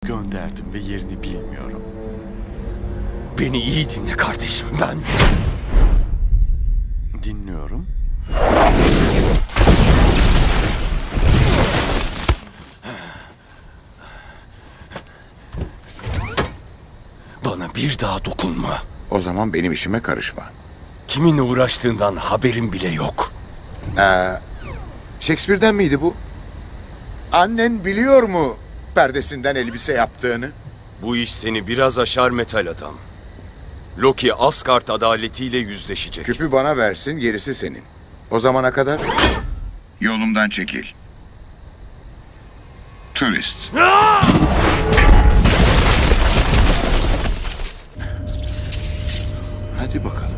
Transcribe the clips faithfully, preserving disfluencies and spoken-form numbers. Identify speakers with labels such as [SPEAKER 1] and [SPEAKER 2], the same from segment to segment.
[SPEAKER 1] Gönderdim ve yerini bilmiyorum.
[SPEAKER 2] Beni iyi dinle kardeşim, ben...
[SPEAKER 1] Dinliyorum.
[SPEAKER 2] Bana bir daha dokunma.
[SPEAKER 3] O zaman benim işime karışma.
[SPEAKER 2] Kiminle uğraştığından haberim bile yok.
[SPEAKER 3] Ee, Shakespeare'den miydi bu? Annen biliyor mu perdesinden elbise yaptığını?
[SPEAKER 2] Bu iş seni biraz aşar metal adam. Loki Asgard adaletiyle yüzleşecek.
[SPEAKER 3] Küpü bana versin, gerisi senin. O zamana kadar... Yolumdan çekil. Turist. Hadi bakalım.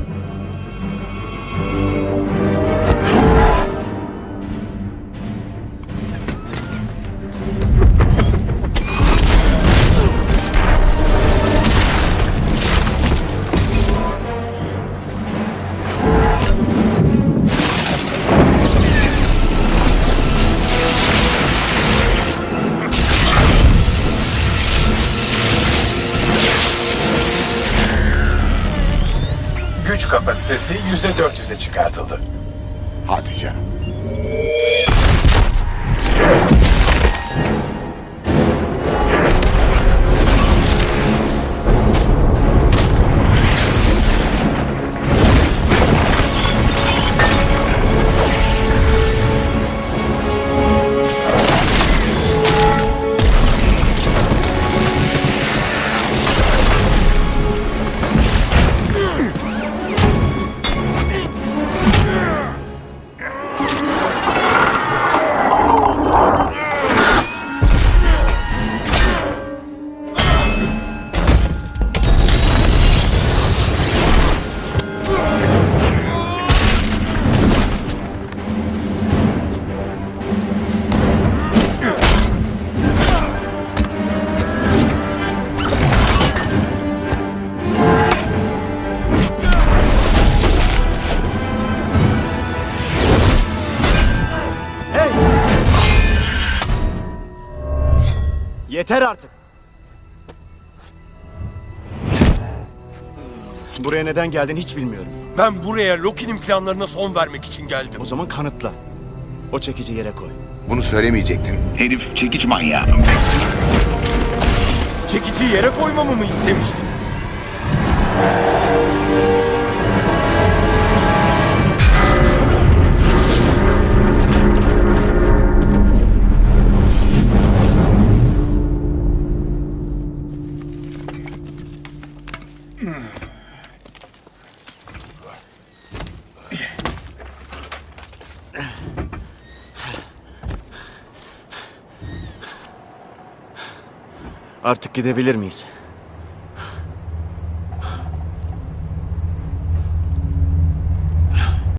[SPEAKER 4] Güç kapasitesi yüzde dört yüze çıkartıldı.
[SPEAKER 3] Hadi canım.
[SPEAKER 5] Yeter artık. Buraya neden geldin hiç bilmiyorum.
[SPEAKER 2] Ben buraya Loki'nin planlarına son vermek için geldim.
[SPEAKER 5] O zaman kanıtla. O çekici yere koy.
[SPEAKER 3] Bunu söylemeyecektin. Herif çekiç manyağı.
[SPEAKER 2] Çekiciyi yere koymamı mı istemiştin?
[SPEAKER 5] Artık gidebilir miyiz?